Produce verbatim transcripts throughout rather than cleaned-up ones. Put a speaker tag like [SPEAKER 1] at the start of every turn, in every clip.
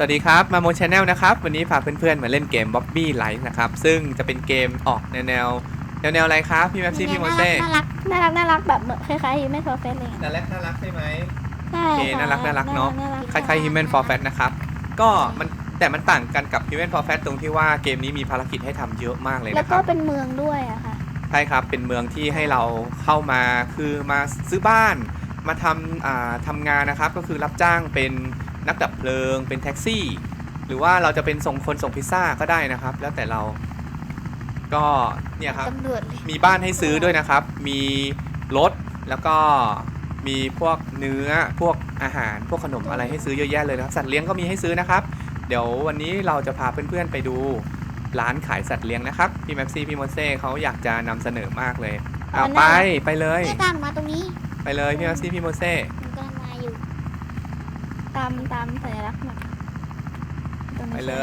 [SPEAKER 1] วัสดีครับมาโมชแนลนะครับวันนี้พาเพื่อนๆมาเล่นเกม Bobby Light นะครับซึ่งจะเป็นเกมออกแนวแนวแนวแนวอะไรครับพี่แมปซี่พี่โมเซ่
[SPEAKER 2] น่ารักน่ารักน่ารักแบบเหมือนคล้ายๆ Human for Fat เลย
[SPEAKER 1] น่ารักน่ารักใช่ไหม
[SPEAKER 2] ใช่
[SPEAKER 1] โอเคน่ารักน่ารักเนาะคล้ายๆ Human for Fat นะครับก็มันแต่มันต่างกันกับ Human for Fat ตรงที่ว่าเกมนี้มีภารกิจให้ทำเยอะมากเลย
[SPEAKER 2] แล้ว
[SPEAKER 1] นะค
[SPEAKER 2] ก็
[SPEAKER 1] รับ
[SPEAKER 2] เป็นเมืองด้วยอะค่ะ
[SPEAKER 1] ใช่ครับเป็นเมืองที่ให้เราเข้ามาคือมาซื้อบ้านมาทำอ่าทำงานนะครับก็คือรับจ้างเป็นนักดับเพลิงเป็นแท็กซี่หรือว่าเราจะเป็นส่งคนส่งพิซซ่าก็ได้นะครับแล้วแต่เราก็เนี่ยครับ
[SPEAKER 2] ตำรวจเลย
[SPEAKER 1] มีบ้านให้ซื้อด้วยนะครับ มีรถแล้วก็มีพวกเนื้อพวกอาหารพวกขนมอะไรให้ซื้อเยอะแยะเลยนะครับสัตว์เลี้ยงก็มีให้ซื้อนะครับเดี๋ยววันนี้เราจะพาเพื่อนๆไปดูร้านขายสัตว์เลี้ยงนะครับพี่แมปซี่พี่โมเซ่เขาอยากจะนำเสนอมากเลยเอาไปไปเลย
[SPEAKER 2] ตามมาตรงนี้
[SPEAKER 1] ไปเลยพี่แมปซี่พี่โมเซ่
[SPEAKER 2] มันกำลังมาอยู่ตามตามสัญลักษณ์มา
[SPEAKER 1] ไปเลย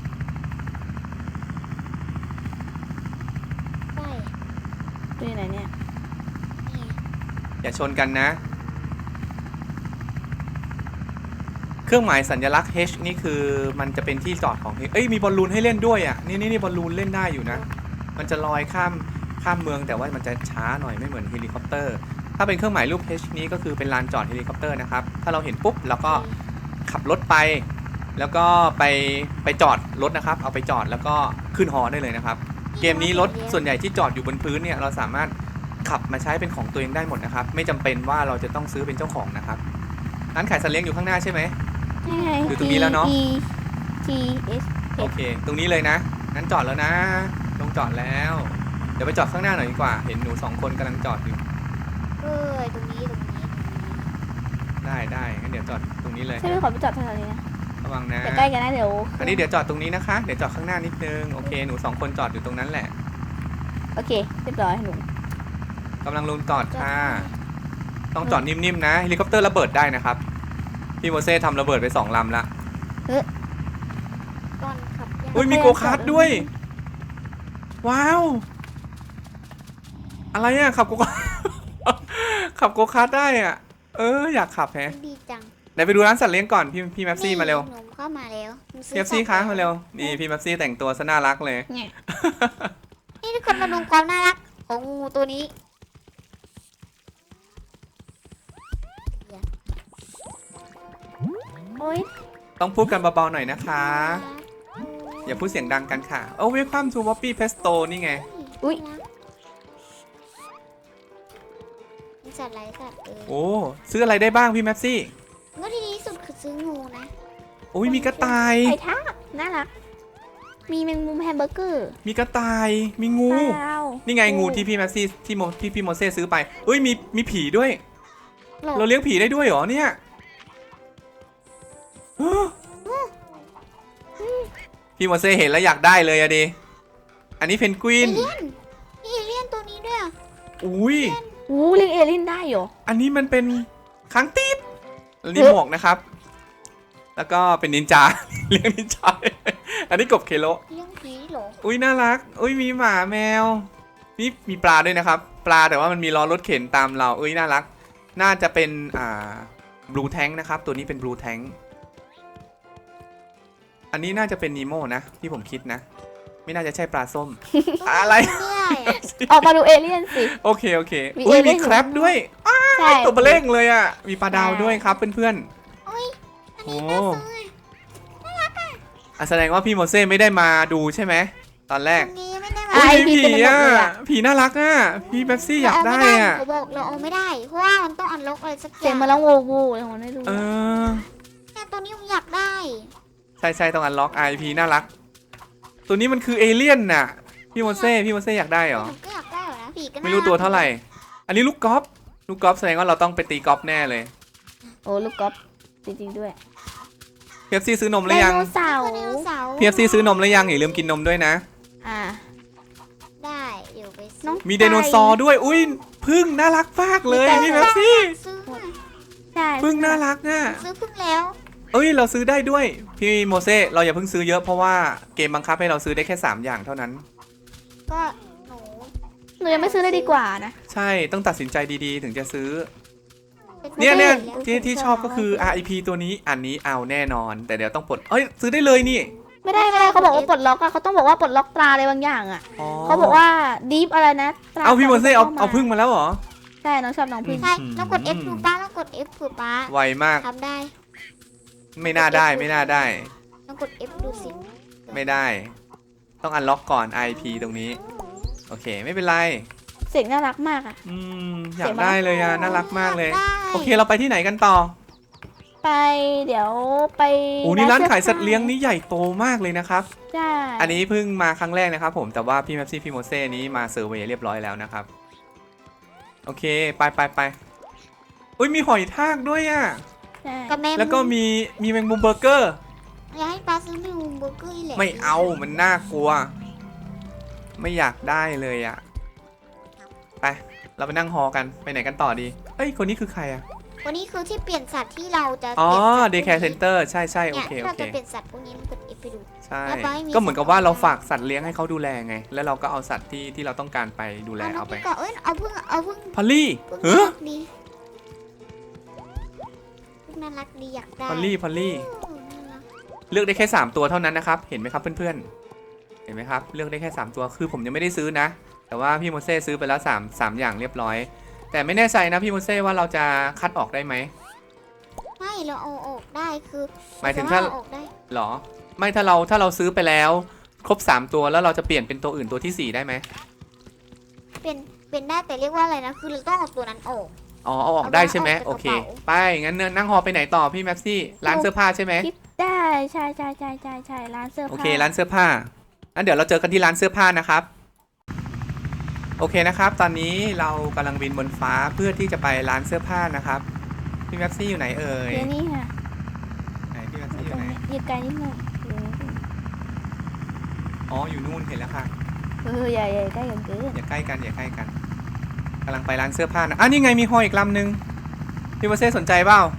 [SPEAKER 2] ใช่ดูไหนเนี่ยนี่
[SPEAKER 1] อย่าชนกันนะเครื่องหมายสัญลักษณ์ H นี่คือมันจะเป็นที่จอดของเอ้ยมีบอลลูนให้เล่นด้วยอ่ะนี่นี่นี่บอลลูนเล่นได้อยู่นะมันจะลอยข้ามข้ามเมืองแต่ว่ามันจะช้าหน่อยไม่เหมือนเฮลิคอปเตอร์ถ้าเป็นเครื่องหมายรูป H นี้ก็คือเป็นลานจอดเฮลิคอปเตอร์นะครับถ้าเราเห็นปุ๊บเราก็ขับรถไปแล้วก็ไปไปจอดรถนะครับเอาไปจอดแล้วก็ขึ้นฮอได้เลยนะครับเกมนี้รถส่วนใหญ่ที่จอดอยู่บนพื้นเนี่ยเราสามารถขับมาใช้เป็นของตัวเองได้หมดนะครับไม่จำเป็นว่าเราจะต้องซื้อเป็นเจ้าของนะครับร้านขายสัตว์เลี้ยงอยู่ข้างหน้าใช่ไหมอยู่ตรงนี้แล้วเนาะ
[SPEAKER 2] T S
[SPEAKER 1] โอเคตรงนี้เลยนะงั้นจอดแล้วนะลงจอดแล้วเดี๋ยวไปจอดข้างหน้าหน่อยดีกว่าเห็นหนูสองคนกำลังจอดอยู่
[SPEAKER 2] เออตรงนี้ตรงนี้
[SPEAKER 1] ได้ได้งั้นเดี๋ยวจอดตรงนี้เลย
[SPEAKER 2] ใช่ไหมขอไปจอดแถวนี้นะ
[SPEAKER 1] ระวังนะ
[SPEAKER 2] ใกล้กันนะเดี๋ยว
[SPEAKER 1] อันนี้เดี๋ยวจอดตรงนี้นะคะเดี๋ยวจอดข้างหน้านิดนึงโอเคหนูสองคนจอดอยู่ตรงนั้นแหละ
[SPEAKER 2] โอเคเรียบร้อยหนู
[SPEAKER 1] กำลังลงจอดค่ะต้องจอดนิ่มๆนะเฮลิคอปเตอร์ระเบิดได้นะครับพี่โมเซ่ทำระเบิดไปสองลำละ
[SPEAKER 2] ก่อนขับ
[SPEAKER 1] อุ้ยมีโกคาร์ทด้วย ว้าวอะไรอ่ะขับโกคาร์ท ขับโกคาร์ทได้อ่ะเอออยากขับแฮะ
[SPEAKER 2] ดีจัง
[SPEAKER 1] ไหนไปดูร้านสัตว์เลี้ยงก่อนพี่พี่แมปซี่มาเร็ว
[SPEAKER 2] หนูเข้ามาแล้ว
[SPEAKER 1] พี่แมปซี่คะมาเร็วนี่พี่แมปซี่แต่งตัวซะน่ารักเลย
[SPEAKER 2] นี่ทุกคนมาดูความน่ารักของงูตัวนี้โอ้ย
[SPEAKER 1] ต้องพูดกันเบาๆหน่อยนะคะอย่าพูดเสียงดังกันค่ะโอ้เวลคัมทูบ๊อบบี้เพสโตนี่ไง
[SPEAKER 2] อุ้ยสัตว์ไรสัตว์เออ
[SPEAKER 1] โอ้ซื้ออะไรได้บ้างพี่แมปซี่
[SPEAKER 2] ก็ที่ดีสุดคือซื้องูนะ
[SPEAKER 1] โอ้ยมีกระต่าย
[SPEAKER 2] ไอ้ท่าน่ารักมีแมงมุมแฮมเบอร์เกอร์
[SPEAKER 1] มีกระต่ายมีงู
[SPEAKER 2] ว้าว
[SPEAKER 1] นี่ไงงูที่พี่แมปซี่ที่โมที่พี่โมเซ่ซื้อไปเอ้ยมีมีผีด้วย
[SPEAKER 2] หลบ
[SPEAKER 1] เราเลี้ยงผีได้ด้วยเหรอเนี่ยพี่โมเซ่เห็นแล้วอยากได้เลยอะดิอันนี้เพนกวิ
[SPEAKER 2] เอน เลี่ยนมีเอเลี่ยนตัวนี้ด้วย
[SPEAKER 1] อุ้ย
[SPEAKER 2] อู้เลี้ยงเอเลี่ยนได้เหรอ
[SPEAKER 1] อันนี้มันเป็นค้างตีดแล้วนี่หมวกนะครับ แล้วก็เป็นนินจา เลี้ยงนินจา อันนี้กบเคโล
[SPEAKER 2] เลี้ยงผีเหรอ
[SPEAKER 1] อุ้ยน่ารัก อุ้ยมีหมาแมวมีมีปลาด้วยนะครับ ปลาแต่ว่ามันมีล้อรถเข็นตามเราอุ้ยน่ารัก น่าจะเป็นอ่าบลูแทงนะครับ ตัวนี้เป็นบลูแทงอันนี้น่าจะเป็นนีโม่นะที่ผมคิดนะ ไม่น่าจะใช่ปลาส้ม อะไร
[SPEAKER 2] ออกมาดูเอเลี่ยนสิ
[SPEAKER 1] โอเคโอเค
[SPEAKER 2] มี
[SPEAKER 1] อุ้ย
[SPEAKER 2] เอเลี่
[SPEAKER 1] มี
[SPEAKER 2] ยน
[SPEAKER 1] แครบด้วย
[SPEAKER 2] ใช่
[SPEAKER 1] ตัวเบลเล่งเลยอ่ะมีปลาดาวด้วยครับเพื่อนๆ
[SPEAKER 2] โอ้ย
[SPEAKER 1] โอ้อ่ะแสดงว่าพี่โมเซ่ไม่ได้มาดูใช่ไหมตอนแรก
[SPEAKER 2] นี้ไม่ได้มา
[SPEAKER 1] อุ้ย
[SPEAKER 2] ไอ
[SPEAKER 1] มี
[SPEAKER 2] พี
[SPEAKER 1] ผี
[SPEAKER 2] เต็มไปหมด
[SPEAKER 1] อ่ะ
[SPEAKER 2] เลยอะ
[SPEAKER 1] ผีน่ารักอ่ะพี่เบปซี่อยากได้อ่ะ
[SPEAKER 2] เราบอกเราเอาไม่ได้เพราะว่ามันต้องอันล็อกอะไรสักอย่าง
[SPEAKER 3] เสียงมาแล้วโวโวเลยผมไม่รู้
[SPEAKER 1] เออ
[SPEAKER 2] แต่ตัวนี้ผมอยากได้
[SPEAKER 1] ใช่ใช่ต้องอันล็อกไอพีน่ารัก ตัวนี้มันคือเอเลี่ยนน่ะพี่โมเซ่พี่โมเซ่อยากได้เหรอ
[SPEAKER 2] ผมก็อยากได้เหรอนะผีก็น่า
[SPEAKER 1] ไม่รู้ตัวเท่าไหร่ อันนี้ลูกกอล์ฟลูกกอล์ฟแสดงว่าเราต้องไปตีกอล์ฟแน่เลย
[SPEAKER 3] โอ้ลูกก๊อฟจริงๆด้วย
[SPEAKER 1] พีเอฟซีซื้อนมหรือยัง
[SPEAKER 3] ไดโนเสาร์
[SPEAKER 2] ไดโนเสาร์
[SPEAKER 1] พีเอฟซีซื้อนมหรือยังอย่าลืมกินนมด้วยนะ
[SPEAKER 3] อ่า
[SPEAKER 2] ได้เดี๋ยวไปซื้
[SPEAKER 3] น้อง
[SPEAKER 1] มีไดโนเสาร์ด้วยอุ้ยพึ่งน่ารักมากเลยพี่เบปซี่
[SPEAKER 2] ซื้อ
[SPEAKER 3] ใช่
[SPEAKER 1] พึ่งน่ารักอ่ะ
[SPEAKER 2] ซื้อเพิ่งแล้ว
[SPEAKER 1] เอ้ยเราซื้อได้ด้วยพี่โมเซ่เราอย่าเพิ่งซื้อเยอะเพราะว่าเกมบังคับให้เราซื้อได้แค่สามอย่างเท่านั้น
[SPEAKER 2] ก็หนู
[SPEAKER 3] หนูยังไม่ซื้อเลยดีกว่านะ
[SPEAKER 1] ใช่ต้องตัดสินใจดีๆ ถึงจะซื้อ
[SPEAKER 2] เป็น
[SPEAKER 1] เนี่ยเนี่ย
[SPEAKER 2] ไม่ได้
[SPEAKER 1] ที่ที่ชอบก็คือ อาร์ ไอ พี ตัวนี้อันนี้เอาแน่นอน แต่เดี๋ยวต้องปลดเอ้ยซื้อได้เลยนี่
[SPEAKER 3] ไม่ได้ไม่ได้เขาบอกว่าปลดล็อกอะเขาต้องบอกว่าปลดล็อกตราอะไรบางอย่างอะ
[SPEAKER 1] อ๋อ
[SPEAKER 3] เขาบอกว่าดีฟอะไรนะตรา
[SPEAKER 1] เอาพี่โมเซ่เอา
[SPEAKER 3] ข้ม
[SPEAKER 1] เอาพึ่งมาแล้วเหรอ
[SPEAKER 3] ใช่น้องชอบน้องพึ่ง
[SPEAKER 2] ใช่ต้องกด F ดูป้าต้องกด F คือป้า
[SPEAKER 1] ไวมาก
[SPEAKER 2] ทำได้
[SPEAKER 1] ไม่น่าได้ไม่น่าได้
[SPEAKER 2] ต้องกด F ดูสิ
[SPEAKER 1] ไม่ได้ ต้องอันล็อกก่อน อาร์ ไอ พี ตรงนี้ โอเคไม่เป็นไร
[SPEAKER 3] เสียงน่ารักมากอะ
[SPEAKER 1] อืมอยา
[SPEAKER 3] เสี
[SPEAKER 1] ก
[SPEAKER 3] ยงมัน
[SPEAKER 1] ได้เลยอ่ะน่ารักมากเลย
[SPEAKER 2] ได้
[SPEAKER 1] โอเคเราไปที่ไหนกันต่อ
[SPEAKER 3] ไปเดี๋ยวไป
[SPEAKER 1] โอ้นี่ร้านขาย
[SPEAKER 3] สื้
[SPEAKER 1] สัตว์เลี้ยงนี่ใหญ่โตมากเลยนะครับ
[SPEAKER 3] ใช่
[SPEAKER 1] อันนี้เพิ่งมาครั้งแรกนะครับผมแต่ว่าพี่แมปซี่พี่โมเซ่นี้มาเซอร์เวย์เรียบร้อยแล้วนะครับโอเคไปไปไปอุ้ยมีหอยทากด้วยอ่ะ
[SPEAKER 3] ใช่
[SPEAKER 2] กับแม่
[SPEAKER 1] แล้วก็มีมีแมงมุมเบอร์เกอร์
[SPEAKER 2] อยากให้ป้าซื้อเมนูเบอร์เกอร์อีแหละ
[SPEAKER 1] ไม่เอามันน่ากลัว ไม่อยากได้เลยอ่ะไปเราไปนั่งฮอกันไปไหนกันต่อดีเอ้ยคนนี้คือใครอ่ะ
[SPEAKER 2] วันนี้คือที่เปลี่ยนสัตว์ที่เราจะ
[SPEAKER 1] อ๋อ
[SPEAKER 2] เปลี่ยนสัตว์
[SPEAKER 1] เดย์แคร์เซ็นเตอร์ใช่ใช่โอ
[SPEAKER 2] เนี่ย
[SPEAKER 1] เค
[SPEAKER 2] ที่
[SPEAKER 1] โอ
[SPEAKER 2] เรา
[SPEAKER 1] เค
[SPEAKER 2] จะเปลี่ยนสัตว์พวกนี้มันกด F ไปดู
[SPEAKER 1] ใช่
[SPEAKER 2] แล้วป้าให้มี
[SPEAKER 1] ก็เหมือนกับว่าเราฝากสัตว์เลี้ยงให้เขาดูแลไง แล้วเราก็เอาสัตว์ที่ที่เราต้องการไปดูแล
[SPEAKER 2] เอาน้อ
[SPEAKER 1] เอา
[SPEAKER 2] ง
[SPEAKER 1] ไป
[SPEAKER 2] พี่ก่อนเอ้ยเอาพึ่งเอาพึ่ง
[SPEAKER 1] พอลลี่
[SPEAKER 2] พึ่ง
[SPEAKER 1] เฮ้
[SPEAKER 2] น่า
[SPEAKER 1] อ
[SPEAKER 2] รักดีพึ่งน่ารักดีอยากได้
[SPEAKER 1] พอลลี่พอลลี่
[SPEAKER 2] โอ้น่ารัก
[SPEAKER 1] เลือกได้แค่สามตัวเท่านั้นนะครับเห็นไหมครับเพื่อนๆเห็นไหมครับเลือกได้แค่สามตัวคือผมยังไม่ได้ซื้อนะ แต่ว่าพี่โมเซ่ซื้อไปแล้วสามสามอย่างเรียบร้อย แต่ไม่แน่ใจนะพี่โมเซ่ว่าเราจะคัดออกได้ไหม
[SPEAKER 2] ไม่เราเอาออกได้คือ
[SPEAKER 1] หมายถึงถ้า
[SPEAKER 2] เรออกได้
[SPEAKER 1] หรอไม่ถ้าเราถ้าเราซื้อไปแล้วครบสามตัวแล้วเราจะเปลี่ยนเป็นตัวอื่นตัวที่สี่ได้ไหม
[SPEAKER 2] เป็นเป็นได้แต่เรียกว่าอะไรนะคือเราต้องเอาตัวนั้นออก
[SPEAKER 1] อ๋อเอาออกได้ใช่ไหม
[SPEAKER 2] เอา
[SPEAKER 1] โอ
[SPEAKER 2] ออก
[SPEAKER 1] เค
[SPEAKER 2] จากกระเป๋า
[SPEAKER 1] ไปงั้นนั่งฮอไปไหนต่อพี่แม็ปซี่ร้านเสื้อผ้าใช่ไหม
[SPEAKER 3] คิดได้ใช่ใช่ใช่ใช่ใช่ร้านเสื้อผ้า
[SPEAKER 1] โอเคร้านเสื้อผ้างั้นเดี๋ยวเราเจอกันที่ร้านเสื้อผ้านะครับโอเคนะครับตอนนี้เรากำลังบินบนฟ้าเพื่อที่จะไปร้านเสื้อผ้านะครับพี่แม็ปซี่อยู่ไหนเอ่ย
[SPEAKER 3] เดี๋ยวนี้ค่ะ
[SPEAKER 1] ไหนพี่แม็ป
[SPEAKER 3] อยู่
[SPEAKER 1] ซี่อ
[SPEAKER 3] ตร
[SPEAKER 1] ยู่
[SPEAKER 3] ง
[SPEAKER 1] ไหน
[SPEAKER 3] นี้อยู่ไกลนิดหนึงอยู่นิดหนึ่ง
[SPEAKER 1] อ๋ออยู่นู่นเห็นแล้วค่ะ
[SPEAKER 3] เอออย่าอย่าใกล้กันเกิน
[SPEAKER 1] อย่าใกล้กันอย่าใกล้กันกำลังไปร้านเสื้อผ้านะอ่ะนี่ไงมีฮออีกลำหนึ่งพี่โมเซ่สนใจเปล่า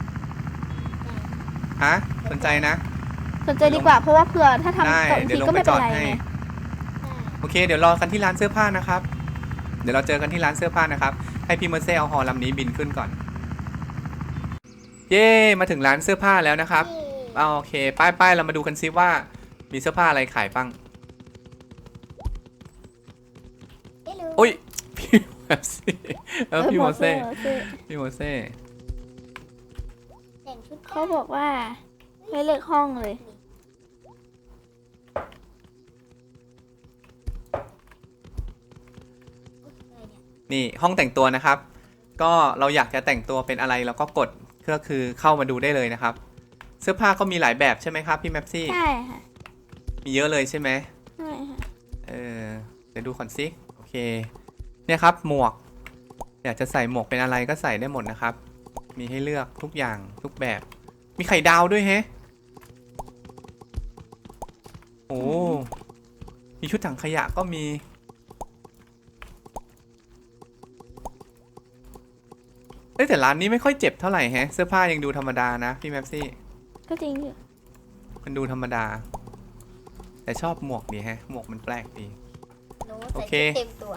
[SPEAKER 1] ฮะสนใจนะ
[SPEAKER 3] สนใจดีกว่าเพราะว่าเผื่อถ้าทำ
[SPEAKER 1] ได้
[SPEAKER 3] ตก
[SPEAKER 1] เดี๋ย
[SPEAKER 3] ที
[SPEAKER 1] วลง
[SPEAKER 3] ก็
[SPEAKER 1] ไป
[SPEAKER 3] ไม่
[SPEAKER 1] จ
[SPEAKER 3] เป็
[SPEAKER 1] อน ด
[SPEAKER 3] ไร
[SPEAKER 1] ให้
[SPEAKER 3] ไง
[SPEAKER 1] โอเคเดี๋ยวรอกันที่ร้านเสื้อผ้านะครับเดี๋ยวเราเจอกันที่ร้านเสื้อผ้านะครับให้พี่โมเซ่เอาฮอลำนี้บินขึ้นก่อนเย้มาถึงร้านเสื้อผ้าแล้วนะครับเอาโอเคป้ายป้ายเรามาดูกันซิว่ามีเสื้อผ้าอะไรขายบ้าง
[SPEAKER 2] เอ้ย
[SPEAKER 1] โอ้ยพี่โมเซ่เออพี่โมเซ่
[SPEAKER 3] โมเซ่
[SPEAKER 1] พี่โมเซ่
[SPEAKER 2] แต่งชุด
[SPEAKER 3] เขาบอกว่าให้เลือกห้องเลย
[SPEAKER 1] นี่ห้องแต่งตัวนะครับ ก็เราอยากจะแต่งตัวเป็นอะไรเราก็กดก็คือเข้ามาดูได้เลยนะครับ เสื้อผ้าก็มีหลายแบบใช่ไหมครับพี่แมปซี่
[SPEAKER 3] ใช่ค่ะ
[SPEAKER 1] มีเยอะเลยใช่ไหม
[SPEAKER 3] ใช่ค่ะ
[SPEAKER 1] เออเดี๋ยวดูก่อนสิโอเคเนี่ยครับหมวก อยากจะใส่หมวกเป็นอะไรก็ใส่ได้หมดนะครับ มีให้เลือกทุกอย่างทุกแบบ มีไข่ดาวด้วยแฮะโอ้มีชุดถังขยะก็มีเอ้ยแต่ร้านนี้ไม่ค่อยเจ็บเท่าไหร่แฮะเสื้อผ้ายังดูธรรมดานะพี่แมปซี่
[SPEAKER 3] ก็จริงอยู่
[SPEAKER 1] มันดูธรรมดา แต่ชอบหมวกดีแฮะหมวกมันแปลกดี
[SPEAKER 2] หนู
[SPEAKER 1] โอ
[SPEAKER 2] ใส่
[SPEAKER 1] เค
[SPEAKER 2] ชุดเต็มตัว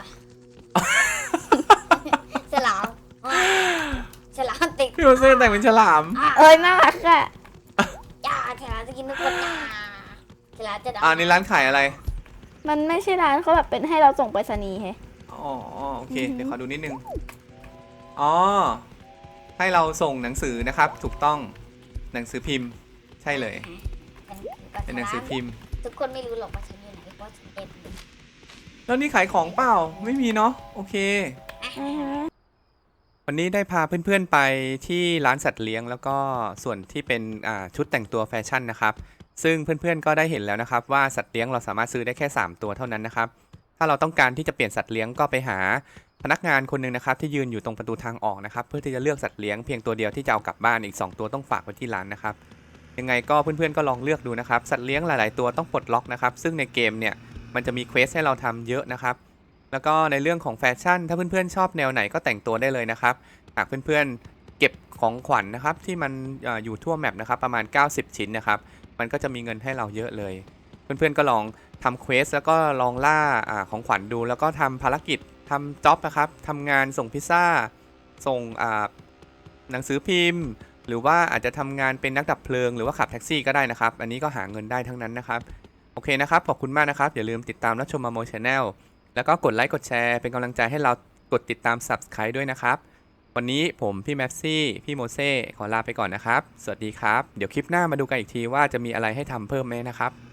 [SPEAKER 2] ฉลามฉลามติด
[SPEAKER 1] พี่โมเซ่แต่งเป็นฉลาม
[SPEAKER 3] เอ้ยน่ารักอ่ะ
[SPEAKER 2] จ้าฉลามจะกินทุกคนจ้าฉลามจะ
[SPEAKER 1] อ่านี่ร้านขายอะไร
[SPEAKER 3] มันไม่ใช่ร้านเขาแบบเป็นให้เราส่งไปรษณีย์แฮะ
[SPEAKER 1] อ๋อโอเค
[SPEAKER 3] อือฮึ
[SPEAKER 1] เดี๋ยวขอดูนิดนึง อ๋อ ให้เราส่งหนังสือนะครับ ถูกต้อง หนังสือพิมพ์ ใช่เลย เป็นหนังสือพิมพ์
[SPEAKER 2] ทุกคนไม่รู้หรอกว่าฉันอยู่ไหนเพราะฉันเป็น
[SPEAKER 1] แล้วนี่ขายของเปล่า ไม่มีเนาะ โอเค
[SPEAKER 3] อือฮะ
[SPEAKER 1] วันนี้ได้พาเพื่อนๆไปที่ร้านสัตว์เลี้ยง แล้วก็ส่วนที่เป็นอ่าชุดแต่งตัวแฟชั่นนะครับ ซึ่งเพื่อนๆก็ได้เห็นแล้วนะครับว่าสัตว์เลี้ยงเราสามารถซื้อได้แค่สามตัวเท่านั้นนะครับ ถ้าเราต้องการที่จะเปลี่ยนสัตว์เลี้ยงก็ไปหาพนักงานคนหนึ่งนะครับที่ยืนอยู่ตรงประตูทางออกนะครับเพื่อที่จะเลือกสัตว์เลี้ยงเพียงตัวเดียวที่จะเอากลับบ้านอีกสองตัวต้องฝากไว้ที่ร้านนะครับยังไงก็เพื่อนๆก็ลองเลือกดูนะครับสัตว์เลี้ยงหลายๆตัวต้องปลดล็อกนะครับซึ่งในเกมเนี่ยมันจะมีเควสให้เราทำเยอะนะครับแล้วก็ในเรื่องของแฟชั่นถ้าเพื่อนๆชอบแนวไหนก็แต่งตัวได้เลยนะครับหากเพื่อนๆเก็บของขวัญ นะครับที่มันเอ่ออยู่ทั่วแมปนะครับประมาณเก้าสิบชิ้นนะครับมันก็จะมีเงินให้เราเยอะเลยเพื่อนๆก็ลองทำเควสแล้วก็ลองล่าอาของขวัญดูแล้วก็ทำภารกิจทำจ็อบนะครับทำงานส่งพิซซ่าส่งหนังสือพิมพ์ หรือว่าอาจจะทำงานเป็นนักดับเพลิงหรือว่าขับแท็กซี่ก็ได้นะครับ อันนี้ก็หาเงินได้ทั้งนั้นนะครับโอเคนะครับขอบคุณมากนะครับอย่าลืมติดตามรับชมมาโมชแนลแล้วก็กดไลค์กดแชร์เป็นกำลังใจให้เรากดติดตาม ซับสไครบ์ ด้วยนะครับวันนี้ผมพี่แมปซี่พี่โมเซ่ขอลาไปก่อนนะครับสวัสดีครับเดี๋ยวคลิปหน้ามาดูกันอีกทีว่าจะมีอะไรให้ทำเพิ่มไหมนะครับ